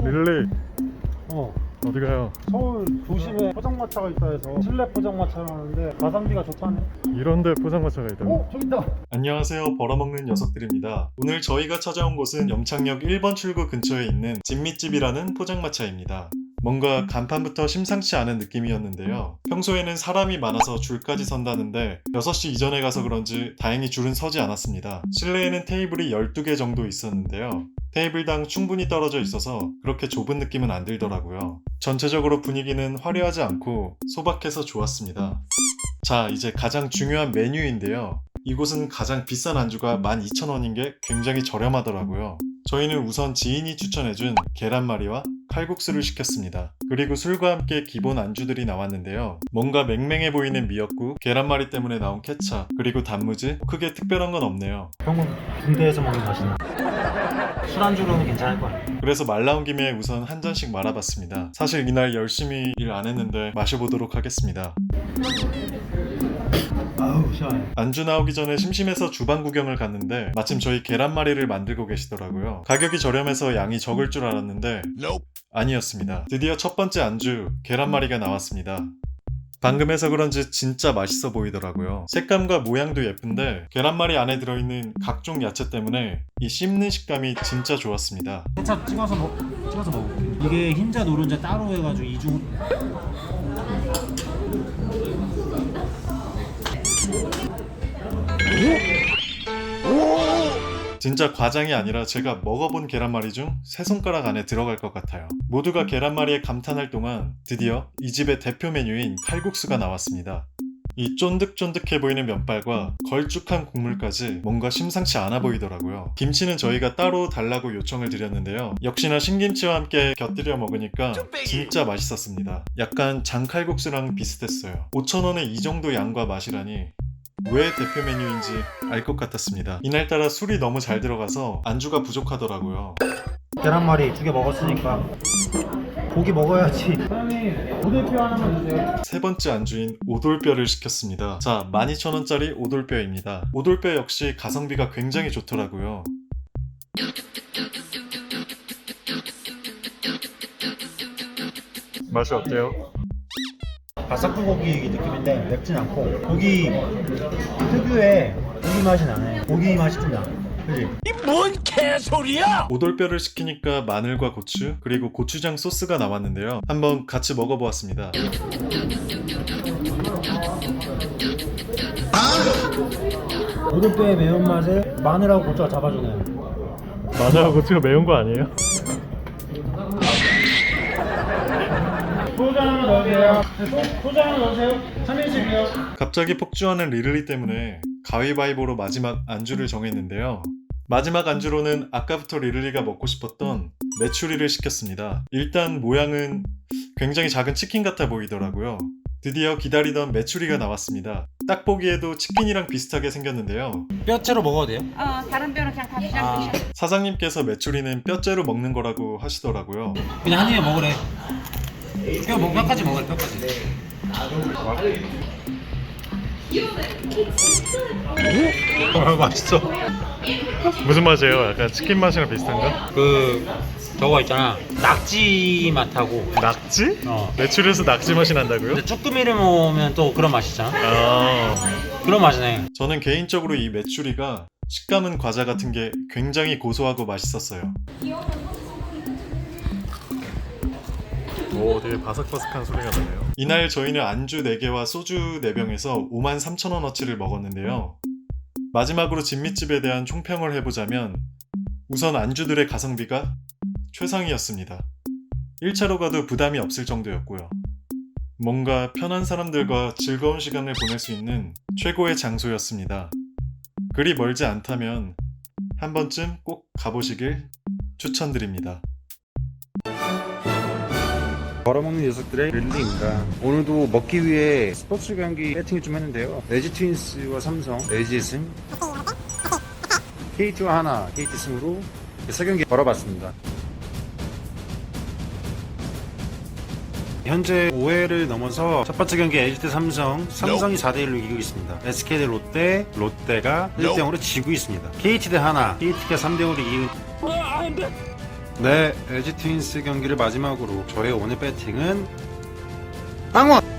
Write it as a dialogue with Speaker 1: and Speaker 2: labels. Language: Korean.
Speaker 1: 릴리
Speaker 2: 어,
Speaker 1: 어디 가요?
Speaker 2: 서울 도심에 포장마차가 있다 해서 실내 포장마차라는데 가성비가 좋다네.
Speaker 1: 이런데 포장마차가 있다고?
Speaker 2: 어? 저기 있다.
Speaker 1: 안녕하세요, 벌어먹는 녀석들입니다. 오늘 저희가 찾아온 곳은 염창역 1번 출구 근처에 있는 진미집이라는 포장마차입니다. 뭔가 간판부터 심상치 않은 느낌이었는데요. 평소에는 사람이 많아서 줄까지 선다는데 6시 이전에 가서 그런지 다행히 줄은 서지 않았습니다. 실내에는 테이블이 12개 정도 있었는데요. 테이블당 충분히 떨어져 있어서 그렇게 좁은 느낌은 안 들더라고요. 전체적으로 분위기는 화려하지 않고 소박해서 좋았습니다. 자, 이제 가장 중요한 메뉴인데요. 이곳은 가장 비싼 안주가 12,000원인 게 굉장히 저렴하더라고요. 저희는 우선 지인이 추천해준 계란말이와 칼국수를 시켰습니다. 그리고 술과 함께 기본 안주들이 나왔는데요. 뭔가 맹맹해 보이는 미역국, 계란말이 때문에 나온 케찹, 그리고 단무지, 크게 특별한 건 없네요.
Speaker 2: 그런 건 군대에서 먹는 맛이나. 술안주로는 괜찮을 거야.
Speaker 1: 그래서 말 나온 김에 우선 한 잔씩 말아봤습니다. 사실 이날 열심히 일 안 했는데 마셔보도록 하겠습니다.
Speaker 2: 아우 시원해.
Speaker 1: 안주 나오기 전에 심심해서 주방 구경을 갔는데 마침 저희 계란말이를 만들고 계시더라고요. 가격이 저렴해서 양이 적을 줄 알았는데 아니었습니다. 드디어 첫 번째 안주 계란말이가 나왔습니다. 방금 해서 그런지 진짜 맛있어 보이더라고요. 색감과 모양도 예쁜데 계란말이 안에 들어있는 각종 야채 때문에 이 씹는 식감이 진짜 좋았습니다.
Speaker 2: 케찹 찍어서 먹어. 이게 흰자 노른자 따로 해가지고 이중.
Speaker 1: 진짜 과장이 아니라 제가 먹어본 계란말이 중 3손가락 안에 들어갈 것 같아요. 모두가 계란말이에 감탄할 동안 드디어 이 집의 대표 메뉴인 칼국수가 나왔습니다. 이 쫀득쫀득해 보이는 면발과 걸쭉한 국물까지 뭔가 심상치 않아 보이더라고요. 김치는 저희가 따로 달라고 요청을 드렸는데요. 역시나 신김치와 함께 곁들여 먹으니까 진짜 맛있었습니다. 약간 장칼국수랑 비슷했어요. 5,000원에 이 정도 양과 맛이라니 왜 대표 메뉴인지 알 것 같았습니다. 이날따라 술이 너무 잘 들어가서 안주가 부족하더라고요.
Speaker 2: 계란말이 2개 먹었으니까 고기 먹어야지. 사장님 오돌뼈 하나만 주세요.
Speaker 1: 세 번째 안주인 오돌뼈를 시켰습니다. 자, 12,000원짜리 오돌뼈입니다. 오돌뼈 역시 가성비가 굉장히 좋더라고요. 맛이 어때요?
Speaker 2: 바삭불고기 느낌인데 맵진 않고 고기 특유의 고기 맛이 나네. 고기 맛이 좀 나. 그지?
Speaker 3: 뭔 개소리야!
Speaker 1: 오돌뼈를 시키니까 마늘과 고추 그리고 고추장 소스가 나왔는데요. 한번 같이 먹어보았습니다.
Speaker 2: 오돌뼈의 매운맛을 마늘하고 고추가 잡아주네요.
Speaker 1: 마늘하고 고추가 매운 거 아니에요?
Speaker 2: 소주 하나 넣으세요. 소주 하나 넣으세요. 3인씩이요.
Speaker 1: 갑자기 폭주하는 리를리 때문에 가위바위보로 마지막 안주를 정했는데요. 마지막 안주로는 아까부터 리를리가 먹고 싶었던 메추리를 시켰습니다. 일단 모양은 굉장히 작은 치킨 같아 보이더라고요. 드디어 기다리던 메추리가 나왔습니다. 딱 보기에도 치킨이랑 비슷하게 생겼는데요.
Speaker 2: 뼈채로 먹어도 돼요?
Speaker 4: 다른 뼈는 그냥 다 드셔도 되셔.
Speaker 1: 사장님께서 메추리는 뼈째로 먹는 거라고 하시더라고요.
Speaker 2: 그냥 한 입에 먹으래. 뼈까지 먹으래. 뼈까지.
Speaker 1: 맛있어. 무슨 맛이에요? 약간 치킨 맛이랑 비슷한가?
Speaker 5: 저거 있잖아, 낙지 맛하고.
Speaker 1: 낙지?
Speaker 5: 어.
Speaker 1: 메추리에서 낙지 맛이 난다고요?
Speaker 5: 근데 쭈꾸미를 먹으면 또 그런 맛이잖아.
Speaker 1: 아,
Speaker 5: 그런 맛이네.
Speaker 1: 저는 개인적으로 이 메추리가 식감은 과자 같은 게 굉장히 고소하고 맛있었어요. 오, 되게 바삭바삭한 소리가 나네요. 이날 저희는 안주 4개와 소주 4병에서 53,000원어치를 먹었는데요. 마지막으로 진미집에 대한 총평을 해보자면 우선 안주들의 가성비가 최상이었습니다. 1차로 가도 부담이 없을 정도였고요. 뭔가 편한 사람들과 즐거운 시간을 보낼 수 있는 최고의 장소였습니다. 그리 멀지 않다면 한 번쯤 꼭 가보시길 추천드립니다.
Speaker 6: 벌어먹는 녀석들의 릴리입니다. 오늘도 먹기 위해 스포츠 경기 배팅을 좀 했는데요. LG 트윈스와 삼성, LG 승, KT와 하나, KT 승으로 3경기 벌어봤습니다. 현재 5회를 넘어서 첫 번째 경기 LG 대 삼성이 4대1로 이기고 있습니다. SK 대 롯데, 롯데가 1대0으로 지고 있습니다. KT 대 하나, KT가 3대5로 이기고 네, LG 트윈스 경기를 마지막으로 저의 오늘 배팅은 빵원!